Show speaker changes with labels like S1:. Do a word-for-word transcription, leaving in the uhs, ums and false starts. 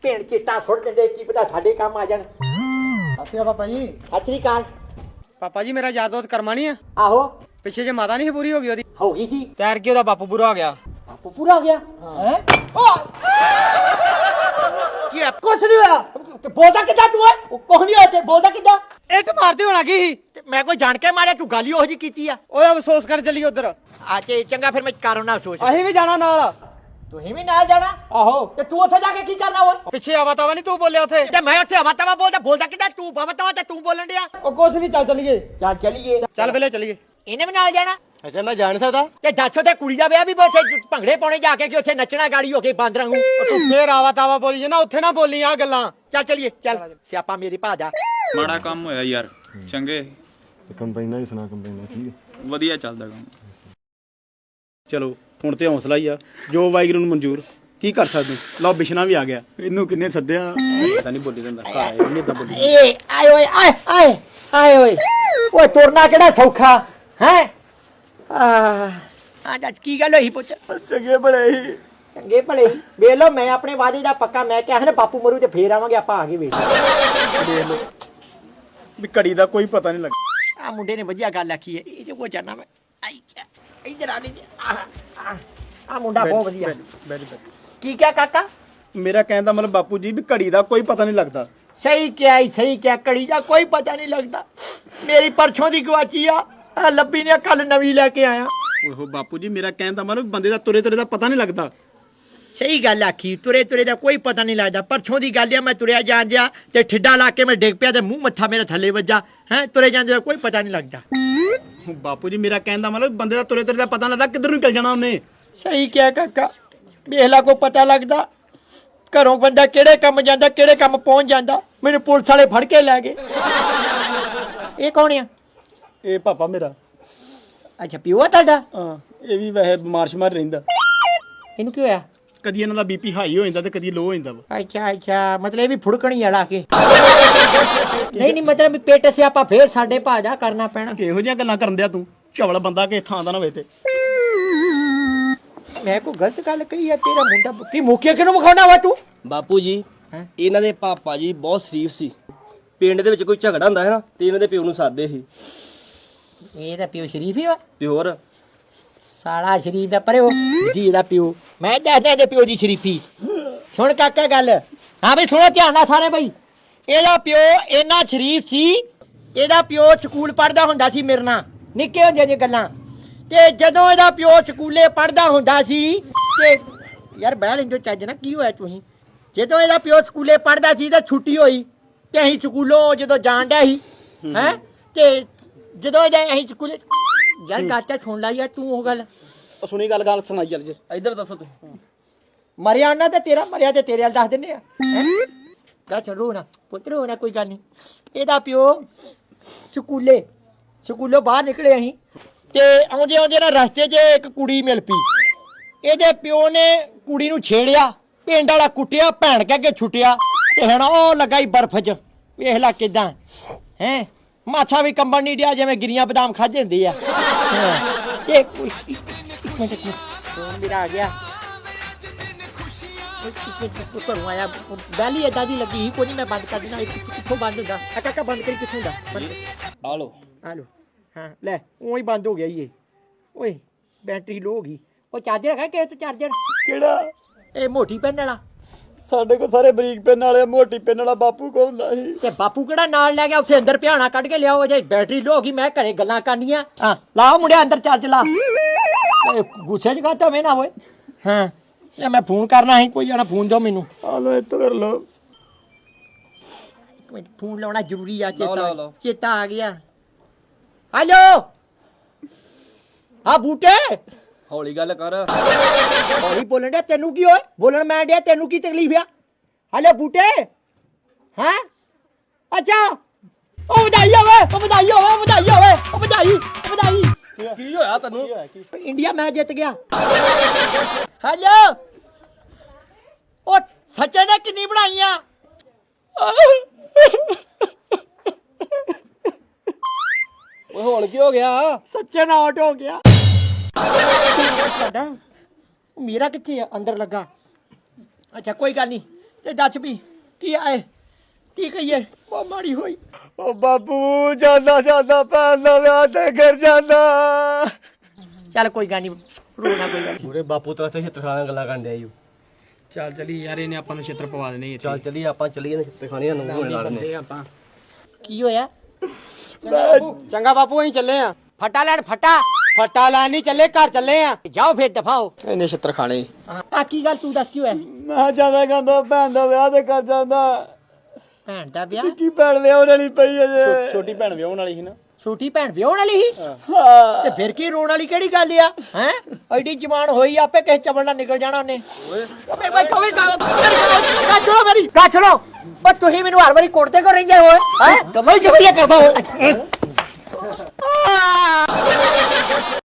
S1: ਭੇਣ ਚਿੱਟਾ ਸੁੱਟ ਦਿੰਦੇ ਕੀ ਪਤਾ ਸਾਡੇ ਕੰਮ ਆ ਜਾਣ।
S2: ਅੱਛਾ ਪਾਪਾ ਜੀ।
S1: ਸਤਿ ਸ੍ਰੀ ਅਕਾਲ।
S2: ਪਾਪਾ ਜੀ ਮੇਰਾ ਯਾਦੋਤ ਕਰਮਾ ਨਹੀਂ ਆ
S1: ਆਹੋ
S2: ਪਿੱਛੇ ਜੇ ਮਾਤਾ ਨਹੀਂ ਪੂਰੀ ਹੋ ਗਈ ਉਹਦੀ
S1: ਹੋ ਗਈ ਸੀ।
S2: ਤੈਰ ਕੇ ਉਹਦਾ ਬਾਪੂ ਪੂਰਾ ਹੋ ਗਿਆ।
S1: ਬਾਪੂ ਪੂਰਾ ਹੋ ਗਿਆ ਹੈ? ਕੀ ਹੈ? ਕੁਛ ਨਹੀਂ ਹੋਇਆ। ਤੇ ਬੋਲਦਾ ਕਿੱਦਾਂ ਤੂੰ ਓਏ? ਉਹ ਕੁਛ ਨਹੀਂ ਹੋਇਆ ਤੇ ਬੋਲਦਾ ਕਿੱਦਾਂ?
S2: ਇੱਟ ਮਾਰਦੇ ਹੋਣਾ ਕੀ ਸੀ
S1: ਤੇ ਮੈਂ ਕੋਈ ਜਾਣ ਕੇ ਮਾਰਿਆ ਤੂੰ ਗੱਲ ਹੀ ਉਹੋ ਜੀ ਕੀਤੀ ਆ।
S2: ਉਹਦਾ ਅਫਸੋਸ ਕਰ ਚੱਲੀ ਉਧਰ।
S1: ਆ ਤੇ ਚੰਗਾ ਫਿਰ ਮੈਂ ਕਾਰੋਂ ਨਾ ਸੋਚ।
S2: ਅਸੀਂ ਵੀ ਜਾਣਾ ਨਾਲ।
S1: ਤੁਸੀਂ ਵੀ ਨਾਲ ਜਾਣਾ?
S2: ਆਹੋ
S1: ਤੇ ਤੂੰ ਉੱਥੇ ਜਾ ਕੇ ਕੀ ਕਰਨਾ ਓਏ?
S2: ਪਿੱਛੇ ਆਵਾ ਤਾਵਾ ਨਹੀਂ ਤੂੰ ਬੋਲਿਆ ਉੱਥੇ।
S1: ਤੇ ਮੈਂ ਉੱਥੇ ਹਵਾ ਤਵਾ ਬੋਲਦਾ ਬੋਲਦਾ ਕਿੱਦਾਂ ਤੂੰ ਬਾਬਾ ਤਵਾ ਤੇ ਤੂੰ ਬੋਲਣ ਡਿਆ।
S2: ਉਹ ਕੁਛ ਨਹੀਂ ਚੱਲ ਚੱਲੀਏ।
S1: ਚੱਲ ਚਲੀਏ।
S2: ਚੱਲ ਪਹਿਲੇ ਚੱਲੀਏ।
S1: ਇਹਨੇ ਵੀ ਨਾਲ ਜਾਣਾ?
S2: ਅੱਛਾ ਮੈਂ ਜਾਣ ਸਕਦਾ?
S1: ਤੇ ਦੱਸੋ ਤੇ ਕੁੜੀ ਦਾ ਵਿਆਹ ਵੀ ਉੱਥੇ ਭੰਗੜੇ ਪਾਉਣੇ ਜਾ ਕੇ ਕਿ ਉੱਥੇ ਨੱਚਣਾ ਗਾੜੀ ਹੋ ਕੇ ਬਾਂਦਰਾਂ ਨੂੰ।
S2: ਤੂੰ ਫੇਰ ਆਵਾ ਤਾਵਾ ਬੋਲੀ ਜੇ ਨਾ ਉੱਥੇ ਨਾ ਬੋਲੀ ਆ ਗੱਲਾਂ।
S1: ਚੱਲ ਚਲੀਏ ਚੱਲ ਸਿਆਪਾ ਮੇਰੀ ਭਾਜਾ।
S3: ਮਾੜਾ ਕੰਮ ਹੋਇਆ ਯਾਰ ਚੰਗੇ
S4: ਕੰਪਾਈਨਾਂ ਹੀ ਸੁਣਾ ਕੰਪਾਈਨਾਂ ਠੀਕ ਹੈ
S3: ਵਧੀਆ ਚੱਲਦਾ ਕੰਮ।
S5: ਚਲੋ ਹੁਣ ਤੇ ਹੌਸਲਾ ਹੀ ਆ ਜੋ ਵਾਹਿਗੁਰੂ ਨੂੰ ਮਨਜ਼ੂਰ ਕੀ ਕਰ ਸਕਦੇ ਲਓ ਬਿਸ਼ਨਾ ਵੀ ਆ ਗਿਆ ਇਹਨੂੰ ਕਿੰਨੇ ਸੱਦਿਆ ਪਤਾ ਨਹੀਂ ਬੋਲੀ ਜਾਂਦਾ ਇਹਨੇ ਇਦਾਂ ਬੋਲੀ
S1: ਏ ਆਏ ਓਏ ਆਏ ਆਏ ਆਏ ਓਏ ਓਏ ਤੁਰਨਾ ਕਿਹੜਾ ਸੌਖਾ ਹੈ? ਆ ਅੱਜ ਕੀ ਗੱਲ ਹੋਈ ਪੁੱਤ?
S5: ਸਗੇ ਬੜੇ ਹੀ
S1: ਚੰਗੇ ਭਲੇ ਵੇਖ ਲੋ ਮੈਂ ਆਪਣੇ ਵਾਅਦੇ ਦਾ ਪੱਕਾ ਮੈਂ ਕਿਹਾ ਨਾ ਬਾਪੂ ਮਰੂ ਤੇ ਫੇਰ ਆਵਾਂਗੇ ਆਪਾਂ ਆ ਕੇ ਵੇਖ
S5: ਦੇਖ ਲਓ ਵੀ ਘੜੀ ਦਾ ਕੋਈ ਪਤਾ ਨਹੀਂ ਲੱਗਾ।
S1: ਆ ਮੁੰਡੇ ਨੇ ਵਧੀਆ ਗੱਲ ਆਖੀ ਹੈ ਇਹ ਜੋ ਕੋ ਜਾਣਾ ਮੈਂ ਆਈ ਇਧਰ ਆ ਨਹੀਂ ਆ ਮੁੰਡਾ ਬਹੁਤ ਵਧੀਆ।
S5: ਵੈਰੀ ਵੈਰੀ
S1: ਕੀ ਕਿਹਾ ਕਾਕਾ?
S5: ਮੇਰਾ ਕਹਿਣ ਦਾ ਮਤਲਬ ਬਾਪੂ ਜੀ ਵੀ ਘੜੀ ਦਾ ਕੋਈ ਪਤਾ ਨਹੀਂ ਲੱਗਦਾ।
S1: ਸਹੀ ਕਿਹਾ ਹੀ ਸਹੀ ਕਿਹਾ ਘੜੀ ਦਾ ਕੋਈ ਪਤਾ ਨਹੀਂ ਲੱਗਦਾ। ਮੇਰੀ ਪਰਛੋਂ ਦੀ ਗਵਾਚੀ ਆ ਆਹ ਲੱਭੀ ਨੇ ਕੱਲ ਨਵੀਂ ਲੈ ਕੇ ਆਇਆ।
S5: ਓਹੋ ਬਾਪੂ ਜੀ ਮੇਰਾ ਕਹਿਣ ਦਾ ਮਤਲਬ ਬੰਦੇ ਦਾ ਤੁਰੇ ਤੁਰੇ ਦਾ ਪਤਾ ਨਹੀਂ ਲੱਗਦਾ।
S1: ਸਹੀ ਗੱਲ ਆਖੀ ਤੁਰੇ ਤੁਰੇ ਦਾ ਕੋਈ ਪਤਾ ਨਹੀਂ ਲੱਗਦਾ। ਪਰਛੋਂ ਦੀ ਗੱਲ ਆ ਮੈਂ ਤੁਰਿਆ ਜਾਣ ਦਿਆ ਤੇ ਠਿੱਡਾ ਲਾ ਕੇ ਮੈਂ ਡਿੱਗ ਪਿਆ ਤੇ ਮੂੰਹ ਮੱਥਾ ਮੇਰਾ ਥੱਲੇ ਵੱਜਾ ਹੈ। ਤੁਰੇ ਜਾਂਦੇ ਦਾ ਕੋਈ ਪਤਾ ਨਹੀਂ ਲੱਗਦਾ।
S5: ਬਾਪੂ ਜੀ ਮੇਰਾ ਕਹਿਣ ਦਾ ਮਤਲਬ ਬੰਦੇ ਦਾ ਤੁਰੇ ਤੁਰੇ ਦਾ ਪਤਾ ਨਹੀਂ ਲੱਗਦਾ ਕਿੱਧਰ ਨੂੰ ਚੱਲ ਜਾਣਾ ਉਹਨੇ।
S1: ਸਹੀ ਕਿਹਾ ਕਾਕਾ ਵੇਖ ਲਾ ਕੋ ਪਤਾ ਲੱਗਦਾ ਘਰੋਂ ਬੰਦਾ ਕਿਹੜੇ ਕੰਮ ਜਾਂਦਾ ਕਿਹੜੇ ਕੰਮ ਪਹੁੰਚ ਜਾਂਦਾ। ਮੈਨੂੰ ਪੁਲਿਸ ਵਾਲੇ ਫੜ ਕੇ ਲੈ ਗਏ। ਇਹ ਕੌਣ ਆ?
S5: ਇਹ ਪਾਪਾ ਮੇਰਾ।
S1: ਅੱਛਾ ਪਿਓ ਆ ਤੁਹਾਡਾ?
S5: ਹਾਂ ਇਹ ਵੀ ਵੈਸੇ ਬਿਮਾਰ ਸ਼ਮਾਰ ਰਹਿੰਦਾ।
S1: ਇਹਨੂੰ ਕੀ ਹੋਇਆ?
S5: ਕਦੀ ਇਹਨਾਂ ਦਾ ਬੀਪੀ ਹਾਈ ਹੋ ਜਾਂਦਾ ਤੇ ਕਦੀ ਲੋ ਹੋ ਜਾਂਦਾ ਵਾ।
S1: ਅੱਛਾ ਅੱਛਾ ਮਤਲਬ ਇਹ ਵੀ ਫੁੜਕਣੀ ਵਾਲਾ ਕੇ ਨਹੀਂ ਨਹੀਂ ਮਤਲਬ ਪੇਟ ਸਿਆਪਾ ਫੇਰ ਸਾਡੇ ਭਾਜਾ ਕਰਨਾ ਪੈਣਾ।
S5: ਕਿਹੋ ਜਿਹੀਆਂ ਗੱਲਾਂ ਕਰਨ ਦਿਆ ਤੂੰ? ਝਵਲ ਬੰਦਾ ਕਿ ਥਾਂ ਦਾ ਨਾ ਹੋਵੇ ਤੇ।
S1: ਮੈਂ ਕੋਈ ਗਲਤ ਗੱਲ ਕਹੀ ਆ? ਤੇਰਾ ਮੁੰਡਾ ਕੀ ਮੁਖੀਆ ਕਿਹਨੂੰ ਵਿਖਾਉਣਾ ਵਾ ਤੂੰ?
S6: ਬਾਪੂ ਜੀ ਇਹਨਾਂ ਦੇ ਪਾਪਾ ਜੀ ਬਹੁਤ ਸ਼ਰੀਫ ਸੀ। ਪਿੰਡ ਦੇ ਵਿੱਚ ਕੋਈ ਝਗੜਾ ਹੁੰਦਾ ਹੈ ਨਾ ਤੇ ਇਹਨਾਂ ਦੇ ਪਿਓ ਨੂੰ ਸਾਦੇ ਸੀ।
S1: ਇਹ ਤਾਂ ਪਿਓ ਸ਼ਰੀਫ ਹੀ ਵਾ।
S6: ਤੇ ਹੋਰ
S1: ਸਾਲਾ ਸ਼ਰੀਫ ਦਾ ਪਰੇ ਉਹ ਜੀ ਦਾ ਪਿਓ ਮੈਂ ਦੱਸਦਾ ਇਹਦੇ ਪਿਓ ਦੀ ਸ਼ਰੀਫੀ। ਸੁਣ ਕਾਕਾ ਗੱਲ। ਹਾਂ ਬਈ ਸੁਣੋ ਧਿਆਨ ਨਾਲ ਸਾਰੇ ਬਈ। ਇਹਦਾ ਪਿਓ ਇੰਨਾ ਸ਼ਰੀਫ ਸੀ ਇਹਦਾ ਪਿਓ ਸਕੂਲ ਪੜ੍ਹਦਾ ਹੁੰਦਾ ਸੀ ਮੇਰੇ ਨਾਲ ਨਿੱਕੇ ਹੁੰਦੇ ਜੇ ਗੱਲਾਂ। ਤੇ ਜਦੋਂ ਇਹਦਾ ਪਿਓ ਸਕੂਲੇ ਪੜ੍ਹਦਾ ਹੁੰਦਾ ਸੀ ਤੇ ਯਾਰ ਬਹਿ ਲੈਂਦੇ ਚੱਜ ਨਾ ਕੀ ਹੋਇਆ ਤੁਸੀਂ? ਜਦੋਂ ਇਹਦਾ ਪਿਓ ਸਕੂਲੇ ਪੜ੍ਹਦਾ ਸੀ ਤਾਂ ਛੁੱਟੀ ਹੋਈ ਤੇ ਅਸੀਂ ਸਕੂਲੋਂ ਜਦੋਂ ਜਾਣ ਡਿਆ ਸੀ ਹੈ ਤੇ ਜਦੋਂ ਇਹਦਾ ਅਸੀਂ ਸਕੂਲੇ ਯਾਰ ਗਾਟਾ ਸੁਣ ਲਾ ਯਾਰ ਤੂੰ ਉਹ ਗੱਲ
S5: ਉਹ ਸੁਣੀ ਗੱਲ ਗੱਲ ਸੁਣਾਈ ਚੱਲ ਜੇ।
S6: ਇੱਧਰ ਦੱਸੋ ਤੁਸੀਂ।
S1: ਮਰਿਆ ਉਹਨਾਂ ਤੇ ਤੇਰਾ ਮਰਿਆ ਤੇ ਤੇਰੇ ਵੱਲ ਦੱਸ ਦਿੰਦੇ ਆ। ਗਾ ਛੱਡੋ ਨਾ ਪੁੱਤਰ ਹੋਣਾ ਕੋਈ ਗੱਲ ਨਹੀਂ। ਇਹਦਾ ਪਿਓ ਸਕੂਲੇ ਸਕੂਲੋਂ ਬਾਹਰ ਨਿਕਲੇ ਅਸੀਂ ਤੇ ਆਉਂਦੇ ਆਉਂਦੇ ਨਾ ਰਸਤੇ 'ਚ ਇੱਕ ਕੁੜੀ ਮਿਲ ਪਈ। ਇਹਦੇ ਪਿਓ ਨੇ ਕੁੜੀ ਨੂੰ ਛੇੜਿਆ ਪਿੰਡ ਵਾਲਾ ਕੁੱਟਿਆ ਭੈਣ ਕਹਿ ਕੇ ਛੁੱਟਿਆ ਤੇ ਹੁਣ ਉਹ ਲੱਗਾ ਹੀ ਬਰਫ਼ 'ਚ। ਵੇਖ ਲੈ ਕਿਦਾਂ ਹੈ ਮਾਛਾ ਵੀ ਕੰਬਣ ਨਹੀਂ ਡਿਆ ਜਿਵੇਂ ਗਿਰੀਆਂ ਬਦਾਮ ਖਾਦੇ ਹੁੰਦੇ ਆ। ਤੇ ਮੇਰਾ ਆ ਗਿਆ ਘਰੋਂ ਆਇਆ ਬੈਲੀ ਏਦਾਂ ਦੀ ਲੱਗੀ ਸੀ ਕੋਈ ਨਹੀਂ ਮੈਂ ਬੰਦ ਕਰ ਦੇਣਾ। ਕਿੱਥੋਂ ਬੰਦ ਹੁੰਦਾ? ਆ ਕਾਕਾ ਬੰਦ ਕਰੀ ਕਿੱਥੋਂ ਹੁੰਦਾ?
S6: ਆ ਲੋ
S1: ਆ ਲੋ ਹਾਂ ਲੈ ਉਹ ਹੀ ਬੰਦ ਹੋ ਗਿਆ ਇਹ। ਓਏ ਬੈਟਰੀ ਲੋ ਹੋ ਗਈ। ਉਹ ਚਾਰਜਰ ਹੈਗਾ ਕਿ ਤੂੰ ਚਾਰਜਰ?
S5: ਕਿਹੜਾ?
S1: ਇਹ ਮੋਟੀ ਪੈਨ ਵਾਲਾ।
S5: ਸਾਡੇ ਕੋਲ ਸਾਰੇ ਬਰੀਕ ਪਿੰਨ ਵਾਲੇ ਮੋਟੀ ਪਿੰਨ ਵਾਲਾ ਬਾਪੂ ਕੋਲ ਹੁੰਦਾ ਸੀ।
S1: ਤੇ ਬਾਪੂ ਕਿਹੜਾ ਨਾਲ ਲੈ ਗਿਆ ਉੱਥੇ ਅੰਦਰ ਪਿਆਣਾ ਕੱਢ ਕੇ ਲਿਆਓ ਜੇ ਬੈਟਰੀ ਲੋ ਹੋ ਗਈ ਮੈਂ ਘਰੇ ਗੱਲਾਂ ਕਰਨੀਆਂ। ਹਾਂ ਲਾਓ ਮੁੰਡਿਆ ਅੰਦਰ ਚਾਰਜ ਲਾ। ਗੁੱਸੇ 'ਚ ਕਾਹਤੋਂ ਵੇ ਨਾ ਓਏ। ਹਾਂ ਲੈ ਮੈਂ ਫੋਨ ਕਰਨਾ ਸੀ ਕੋਈ ਜਣਾ ਫੋਨ ਦਿਓ ਮੈਨੂੰ।
S5: ਆ ਲੋ ਇੱਥੋਂ ਕਰ ਲੋ।
S1: ਇੱਕ ਮਿੰਟ ਫੋਨ ਲਾਉਣਾ ਜ਼ਰੂਰੀ ਆ।
S6: ਲਓ,
S1: ਚੇਤਾ
S6: ਲਓ।
S1: ਚੇਤਾ ਆ ਗਿਆ। ਹੈਲੋ ਆ ਬੂਟੇ
S6: ਹੌਲੀ ਗੱਲ ਕਰ।
S1: ਹੌਲੀ ਬੋਲਣ ਡਿਆ ਤੈਨੂੰ ਕੀ ਹੋਏ? ਬੋਲਣ ਮੈਂ ਡਿਆ ਤੈਨੂੰ ਕੀ ਤਕਲੀਫ ਆ? ਹੈਲੋ ਬੂਟੇ ਹੈਂ ਅੱਛਾ ਉਹ ਵਧਾਈ ਹੋਵੇ ਉਹ ਵਧਾਈ ਹੋਵੇ ਵਧਾਈ ਹੋਵੇ ਉਹ ਵਧਾਈ ਵਧਾਈ।
S6: ਕੀ ਹੋਇਆ ਤੈਨੂੰ?
S1: ਇੰਡੀਆ ਮੈਚ ਜਿੱਤ ਗਿਆ। ਹੈਲੋ ਉਹ ਸੱਚੇ ਨੇ ਕਿੰਨੀ ਬਣਾਈਆਂ?
S6: ਓਏ ਹੁਣ ਕੀ ਹੋ ਗਿਆ?
S1: ਸੱਚੇ ਨਾਲ ਆਊਟ ਹੋ ਗਿਆ। ਤੁਹਾਡਾ ਮੇਰਾ ਕਿੱਥੇ ਆ? ਅੰਦਰ ਲੱਗਾ। ਅੱਛਾ ਕੋਈ ਗੱਲ ਨਹੀਂ ਤੇ ਦੱਸ ਵੀ ਕੀ ਆਏ ਕੀ ਕਹੀਏ ਉਹ ਮਾੜੀ ਹੋਈ
S2: ਉਹ ਬਾਪੂ ਜਾਂਦਾ ਜਾਂਦਾ ਭੈਣ ਦਾ ਵਿਆਹ ਤੇ ਘਰ ਜਾਂਦਾ
S1: ਚੱਲ ਕੋਈ ਗੱਲ ਨਹੀਂ ਰੋਣਾ ਕੋਈ ਗੱਲ ਨੀ।
S6: ਪੂਰੇ ਬਾਪੂ ਤਰ੍ਹਾਂ ਤੇ ਛਿੱਤਰਖਾਣਾ ਗੱਲਾਂ ਕਰਨ ਡਿਆ ਜੀ
S7: ਚੱਲ ਚਲੀ ਯਾਰ ਇਹਨੇ ਆਪਾਂ ਨੂੰ ਛਿੱਤਰ ਪਵਾ ਦੇਣੇ
S6: ਚੱਲ ਚੱਲੀ ਆਪਾਂ ਚੱਲੀਏ ਨਾ ਛਿੱਤਰਖਾਣੇ ਨੂੰ ਹੋਣੇ ਨਾਲ ਨੇ
S7: ਆਪਾਂ
S1: ਕੀ ਹੋਇਆ
S2: ਚੰਗਾ ਬਾਪੂ ਅਸੀਂ ਚੱਲੇ ਆ
S1: ਫਟਾ ਲੈਣ ਫਟਾ
S2: ਫੱਟਾ ਲੈਣ ਨਹੀਂ ਚੱਲੇ ਘਰ ਚੱਲੇ ਆ
S1: ਜਾਓ ਫੇਰ ਦਫਾਓ
S2: ਇਹਨੇ ਛਿੱਤਰ ਖਾਣੇ
S1: ਆ ਕੀ ਗੱਲ ਤੂੰ ਦੱਸ ਕੀ ਹੋਇਆ
S2: ਮੈਂ ਜਾਂਦਾ ਕਹਿੰਦਾ ਭੈਣ ਦਾ ਵਿਆਹ ਤੇ ਕਰ ਜਾਂਦਾ
S1: ਭੈਣ ਦਾ ਵਿਆਹ
S2: ਕੀ ਭੈਣ ਵਿਆਹ ਵਾਲੀ ਪਈ ਅਜੇ
S5: ਛੋਟੀ ਭੈਣ ਵਿਆਹਣ ਵਾਲੀ ਸੀ ਨਾ
S1: ਛੋਟੀ ਭੈਣ ਵਿਆਹਣ ਵਾਲੀ ਸੀ ਤੇ ਫਿਰ ਕੀ ਰੋਣ ਵਾਲੀ ਕਿਹੜੀ ਗੱਲ ਆ ਹੈ ਐਡੀ ਜਵਾਨ ਹੋਈ ਆਪੇ ਕਿਸੇ ਚਵਲ ਨਾਲ ਨਿਕਲ ਜਾਣਾ ਉਹਨੇ ਓਏ ਬੈਠੋ ਵੇ ਗਾਛੋ ਮੇਰੀ ਗਾਛੋ ਓ ਤੁਸੀਂ ਮੈਨੂੰ ਹਰ ਵਾਰੀ ਕੋਟਦੇ ਕੋ ਰਹਿੰਦੇ ਹੋ ਹੈ ਕਮਾਈ ਜਵਰੀਆ ਕਰਦਾ ਹੋ